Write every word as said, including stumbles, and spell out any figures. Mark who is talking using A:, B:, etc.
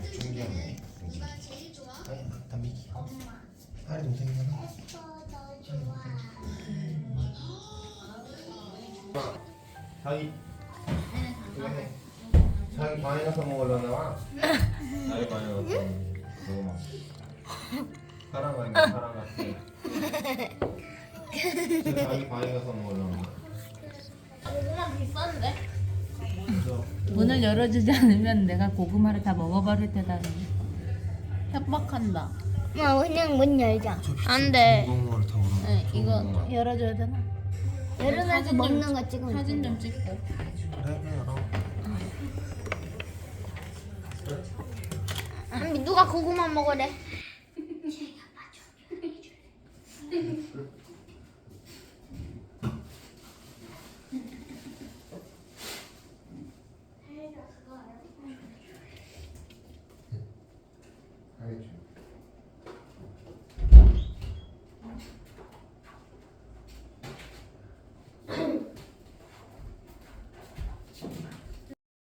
A: 좀 귀엽네. 아니, 담비기. 하리 동생이잖아. 자기 이거 해. 자기 방에 가서 먹으려나 봐. 자기 방에 가서 먹어 막. 사람 아니야 사람 같아. 자기 방에 가서 먹으려나 봐.
B: 고구마 비싼데?
A: 그래서
C: 문을 열어주지 않으면 내가 고구마를 다 먹어버릴 테다. 협박한다.
B: 엄마 그냥 문 열자.
C: 안 돼.
A: 무거운 다 오르는
C: 네, 이거 열어줘야 되나?
B: 열어놔서
C: 사진 좀
B: 먹는 거 찍으면
C: 사진
B: 돼.
C: 좀 찍고.
A: 그래 그래 열어.
B: 아니 누가 고구마 먹으래?